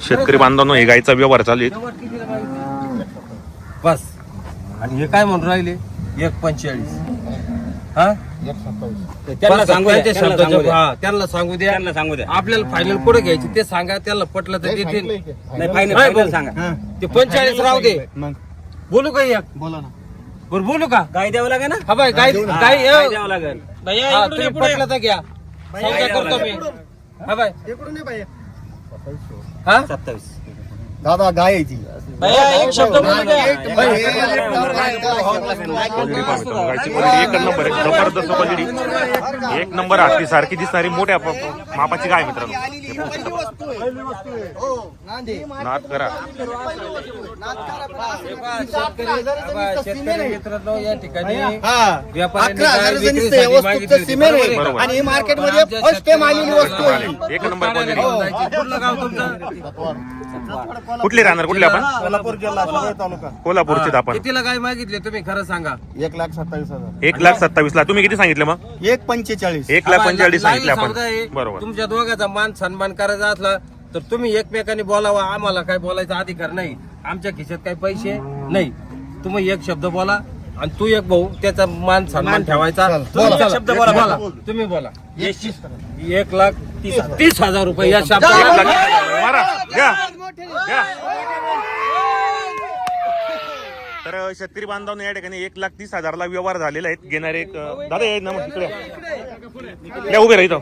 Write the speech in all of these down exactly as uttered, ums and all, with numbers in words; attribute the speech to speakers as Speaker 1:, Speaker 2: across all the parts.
Speaker 1: शेतकरी बांधवांनो हे गायचा व्यवहार चालू आहे
Speaker 2: बस. आणि हे काय म्हणून राहिले एक पंचेचाळीस. हा त्यांना सांगू द्या, त्यांना सांगू द्या, त्यांना सांगू द्या. आपल्याला फायनल कुठे घ्यायची ते सांगा. त्याला पटलं तर देतील. नाही फायनल सांगा. ते पंचेचाळीस राहू दे. बोलू का एक? बोला ना. बरं बोलू का? गाय द्यावं लागेल ना. हा बाय गाय गाय द्यावं लागेल. तुम्ही पटलं तर घ्या. समजा करतो मी. हा बाय हा सत्तावीस.
Speaker 3: दादा गाय आहे ती.
Speaker 1: क्वालिटी एक नंबर आहे, जबरदस्त क्वालिटी. एक नंबर हाती सारखी दिसणारी मोठ्या मापाची गाय मित्रांनो. नाद करा
Speaker 2: शेतकरी मित्रांनो. या ठिकाणी
Speaker 3: आणि मार्केटमध्ये फर्स्ट टाइम आलेली वस्तू आहे.
Speaker 1: एक नंबर क्वालिटी. कुठले राहणार कुठले आपण?
Speaker 3: सोलापूर जिल्हा तालुका.
Speaker 1: कोल्हापूरचे आपण.
Speaker 2: कितीला गाय मागितले तुम्ही खरं सांगा?
Speaker 3: एक लाख सत्तावीस हजार.
Speaker 1: एक लाख सत्तावीस ला तुम्ही किती सांगितलं मग?
Speaker 3: एक पंचेचाळीस.
Speaker 1: एक लाख पंचेचाळीस सांगितले आपण. बरोबर.
Speaker 2: तुमच्या दोघांचा मान सन्मान करायचा असला तर तुम्ही एकमेकांनी बोलावा. आम्हाला काय बोलायचा अधिकार नाही. आमच्या खिशात काही पैसे नाही. तुम्ही एक शब्द बोला आणि तू एक भाऊ त्याचा मान सन्मान ठेवायचा. शब्द बोला बोला तुम्ही बोला. एक लाख तीस तीस हजार रुपये या शब्द.
Speaker 1: तर शेतकरी बांधवांना या ठिकाणी एक लाख तीस हजारला व्यवहार झालेला आहे. घेणारे एक दादा आहे ना इकडे या उभे राहितो.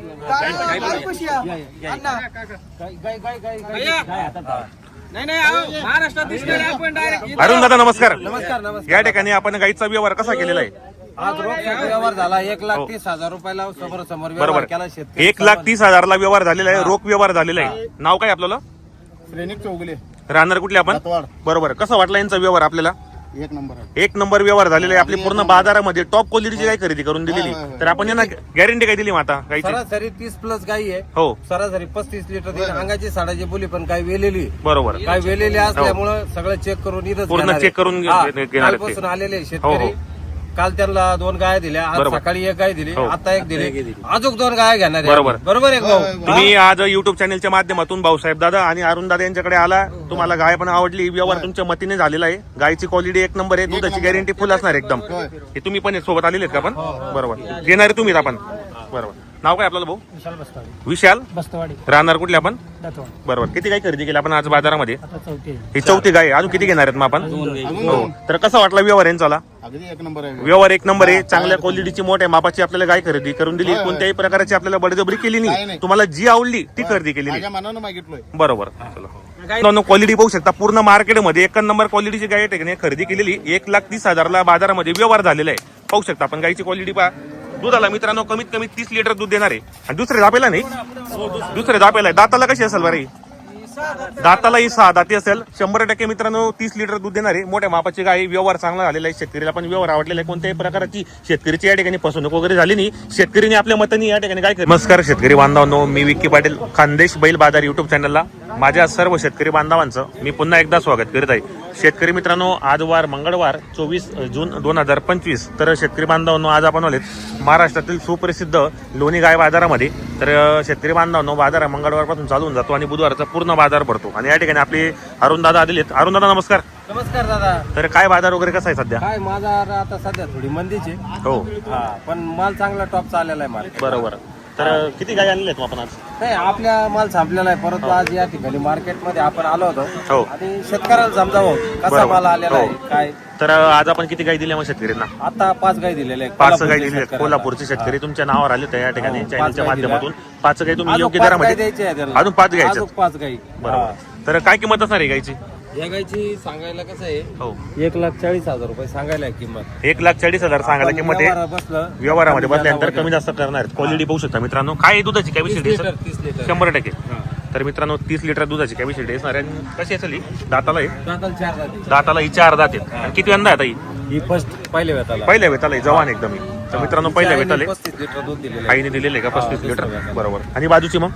Speaker 1: अरुण दादा नमस्कार.
Speaker 2: नमस्कार नमस्कार.
Speaker 1: या ठिकाणी आपण गाईचा व्यवहार कसा केलेला आहे?
Speaker 2: आज रोख व्यवहार झाला एक लाख तीस हजार रुपयाला समोर समोर व्यवहार केला. शेतकरी
Speaker 1: एक लाख तीस हजारला व्यवहार झालेला आहे. रोख व्यवहार झालेला आहे. नाव काय आपल्याला?
Speaker 3: श्रेणिक चौगुले.
Speaker 1: राहणार कुठले आपण? बरोबर. कसा वाटला यांचा व्यवहार आपल्याला?
Speaker 3: एक नंबर.
Speaker 1: एक नंबर व्यवहार झालेला आहे. आपली पूर्ण बाजारामध्ये टॉप क्वालिटीची गाय खरेदी करून दिलेली. तर आपण यांना गॅरंटी काय दिली माता गायची?
Speaker 2: सरासरी तीस प्लस गाई आहे.
Speaker 1: हो
Speaker 2: सरासरी पस्तीस लिटर देईल. अंगाची साडाची बोली पण काय वेलेली.
Speaker 1: बरोबर.
Speaker 2: काय वेलेली असल्यामुळे सगळं चेक करून इथं
Speaker 1: पूर्ण चेक करून
Speaker 2: कालपासून आलेले शेतकरी. काल त्यांना दोन गाय दिल्या. आज सकाळी एक गाय दिली. आता एक दिली. अजून दोन गाय घेणार.
Speaker 1: बरोबर
Speaker 2: बरोबर एक भाऊ.
Speaker 1: तुम्ही आज युट्यूब चॅनलच्या माध्यमातून भाऊसाहेब दादा आणि अरुण दादा यांच्याकडे आला. तुम्हाला गाय पण आवडली. व्यवहार तुमच्या मतीने झालेला आहे. गायची क्वालिटी एक नंबर आहे. दुधाची गॅरंटी फुल असणार एकदम. हे तुम्ही पण सोबत आलेले आहेत का आपण? बरोबर. घेणारे तुम्हीच आपण. बरोबर. नाव काय आपल्याला भाऊ? विशाल बस्तवाडी. राहणार कुठले आपण? बरोबर. किती गाय खरेदी केली आपण आज बाजारामध्ये? ही चौथी गाय. अजून किती घेणार आहेत मग आपण? हो. तर कसा वाटला व्यवहार यांचा?
Speaker 3: एक नंबर आहे.
Speaker 1: व्यवहार एक नंबर आहे. चांगल्या क्वालिटीची मोठ्या मापाची आपल्याला गाय खरेदी करून दिली. कोणत्याही प्रकारची आपल्याला बळजबरी केली नाही. तुम्हाला जी आवडली ती खरेदी केली. बरोबर. क्वालिटी पाहू शकता. पूर्ण मार्केटमध्ये एक नंबर क्वालिटीची गाय ठिकाणी खरेदी केलेली. एक लाख तीस हजारला बाजारामध्ये व्यवहार झालेला आहे. पाहू शकता आपण गायची क्वालिटी पहा. दुधाला मित्रांनो कमीत कमी तीस लिटर दूध देणार आहे. आणि दुसरे दापेला नाही, दुसरे दापेला आहे. दाताला कशी असेल बरं? दाताला ही सहा दाती असेल. शंभर टक्के मित्रांनो तीस लिटर दूध देणार आहे. मोठ्या मापाची गाय. व्यवहार चांगला झालेला आहे. शेतकरीला पण व्यवहार आवडलेला आहे. कोणत्याही प्रकारची शेतकरीची या ठिकाणी फसवणूक वगैरे झाली नाही. शेतकरीने आपल्या मताने या ठिकाणी काय. नमस्कार शेतकरी बांधवांनो. मी विक्की पाटील, खानदेश बैल बाजार युट्यूब चॅनलला माझ्या सर्व शेतकरी बांधवांचं मी पुन्हा एकदा स्वागत करीत आहे. शेतकरी मित्रांनो, आज वार मंगळवार चोवीस जून दोन हजार पंचवीस. तर शेतकरी बांधवांनो, आज आपण आलेत महाराष्ट्रातील सुप्रसिद्ध लोणी गाय बाजारामध्ये. तर शेतकरी बांधवांनो, बाजार मंगळवारपासून चालू होऊन जातो आणि बुधवारचा पूर्ण बाजार भरतो. आणि या ठिकाणी आपले अरुण दादा आलेले आहेत. अरुण दादा नमस्कार.
Speaker 2: नमस्कार दादा.
Speaker 1: तर काय बाजार वगैरे कसा आहे सध्या?
Speaker 2: काय बाजार आता सध्या थोडी मंदीची.
Speaker 1: हो.
Speaker 2: पण माल चांगला टॉप चाललेला आहे. माल
Speaker 1: बरोबर. तर किती गाय आणल्या आहेत आपण आज?
Speaker 2: नाही, आपल्या माल संपलेला आहे. परंतु आज या ठिकाणी मार्केटमध्ये आपण आलो होतो.
Speaker 1: हो.
Speaker 2: आणि शेतकऱ्याला समजावं कसा माल आलेला आहे काय.
Speaker 1: तर आज आपण किती गाय दिल्या मग शेतकऱ्यांना?
Speaker 2: आता पाच गाय दिलेले आहेत.
Speaker 1: पाच गाय दिले. कोल्हापूरचे शेतकरी तुमच्या नावावर आले तर या ठिकाणी चॅनलच्या माध्यमातून पाच गाय तुम्ही योग्य दरामध्ये अजून पाच गायच्या.
Speaker 2: पाच गाई.
Speaker 1: बरोबर. तर काय किंमत असणार आहे गायची?
Speaker 2: या गायची सांगायला कसं आहे,
Speaker 1: हो
Speaker 2: एक लाख चाळीस हजार रुपये सांगायला आहे किंमत.
Speaker 1: एक लाख चाळीस हजार सांगायला किंमत आहे.
Speaker 2: बसलं
Speaker 1: व्यवहारामध्ये बसल्यानंतर कमी जास्त करणार. क्वालिटी पाहू शकता मित्रांनो. काय दुधाची कॅपॅसिटी?
Speaker 2: तीस लिटर.
Speaker 1: शंभर टक्के. तर मित्रांनो तीस लिटर दुधाची कॅपॅसिटी असणार आहे. कशी असेल ही? दाताला आहे.
Speaker 2: दाताला चार दाते.
Speaker 1: दाताला ही चार दात आहेत. आणि किती अंदा आहे
Speaker 2: ही फर्स्ट पहिल्या वेताला.
Speaker 1: पहिल्या वेताला आहे. जवान एकदम. तर मित्रांनो पहिल्या वेताला
Speaker 2: पस्तीस लिटर दूध दिलेलं आहे.
Speaker 1: आईने दिलेले का पस्तीस लिटर? बरोबर. आणि बाजूची मग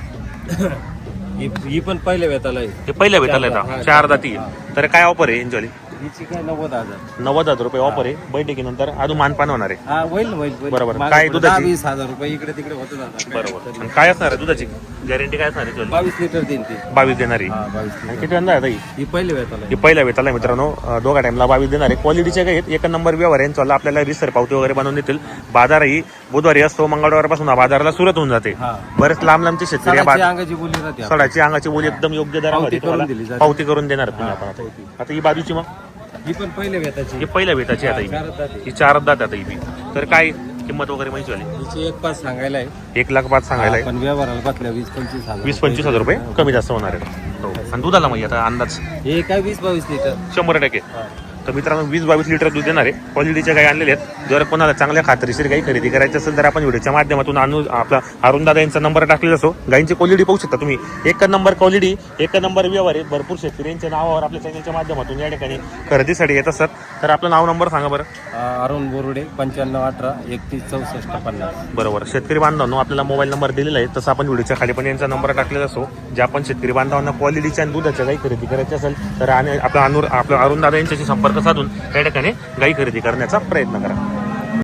Speaker 2: ही पण पहिल्या वेताला आहे.
Speaker 1: ते पहिल्या वेताला येतात. चार दाती. तर काय ऑफर आहे यांची?
Speaker 2: हिची काय नव्वद हजार.
Speaker 1: नव्वद हजार रुपये ऑफर आहे. बैठकीनंतर अजून मानपान होणार आहे.
Speaker 2: हा होईल होईल.
Speaker 1: बरोबर. काय दुधाची?
Speaker 2: वीस हजार रुपये इकडे तिकडे होत जातात.
Speaker 1: बरोबर. काय असणार आहे दुधाची? गॅरंटी काय असणार आहे?
Speaker 2: बावीस लिटर देईन ते.
Speaker 1: बावीस देणारी.
Speaker 2: हा बावीस
Speaker 1: आणि
Speaker 2: लिटर.
Speaker 1: किती अंदा आहे
Speaker 2: ही पहिले वेताला
Speaker 1: ही पहिल्या वेताला मित्रांनो अं, दोघा टाइमला बावीस देणार आहे. क्वालिटीचे काही आहेत, एक नंबर व्यवहार आहे यांचा. आपल्याला रिसर पावती वगैरे बनवून देतील. बाजारही बुधवारी असतो, मंगळवारपासून हा बाजाराला सुरत होऊन जाते.
Speaker 2: हा.
Speaker 1: बरेच लांब लांबचे शेतकरी या
Speaker 2: सडाची
Speaker 1: बाजार-
Speaker 2: अंगाची बोली राहते.
Speaker 1: सडाची अंगाची बोली एकदम योग्य दरामध्ये
Speaker 2: पावती करून दिली
Speaker 1: तुम्हाला
Speaker 2: जाते.
Speaker 1: पावती करून देणार तुम्ही आपण आता. आता ही बाजूची मग
Speaker 2: ही पण पहिले वेताची.
Speaker 1: ही पहिल्या वेताची आता
Speaker 2: चार
Speaker 1: ही
Speaker 2: दाते.
Speaker 1: ही चार दात आता ही बी. तर काय किंमत वगैरे माहिती झाली?
Speaker 2: हिची एक पाच सांगायला आहे.
Speaker 1: एक लाख पाच सांगायला आहे.
Speaker 2: पण व्यवहाराला बसल्या वीस पंचवीस हजार.
Speaker 1: वीस पंचवीस हजार रुपये कमी जास्त होणार आहे. हो. आणि दुधाला मग आता अंदाज
Speaker 2: हे काय वीस बावीस लिटर.
Speaker 1: शंभर टक्के. तर मित्रांनो वीस बावीस लिटर दूध देणार आहे. क्वालिटीच्या गाई आणलेल्या आहेत. जर कोणाला चांगल्या खात्रीशीर गाई खरेदी करायची असेल तर आपण व्हिडिओच्या माध्यमातून आणू आपला अरुण दादा यांचा नंबर टाकलेला असो. गाईंची क्वालिटी पाहू शकता तुम्ही. एक नंबर क्वालिटी, एक नंबर व्यवहार आहे. भरपूर शेतकरी यांच्या नावावर आपल्या चॅनलच्या माध्यमातून या ठिकाणी खरेदीसाठी येत असतात. तर आपलं नाव नंबर सांगा बरं.
Speaker 2: अं, अरुण बोरुडे पंच्याण्णव अठरा एकतीस चौसष्ट पन्नास.
Speaker 1: बरोबर. शेतकरी बांधवांनो आपल्याला मोबाईल नंबर दिलेला आहे, तसं आपण व्हिडिओच्या खाली पण यांचा नंबर टाकलेला असो. ज्या आपण शेतकरी बांधवांना क्वालिटीच्या आणि दुधाच्या गाई खरेदी करायची असेल तर आणि आपला अनुर आपल्या अरुण दादा यांच्याशी संपर्क साधून त्या ठिकाणी गाई खरेदी करण्याचा प्रयत्न करा.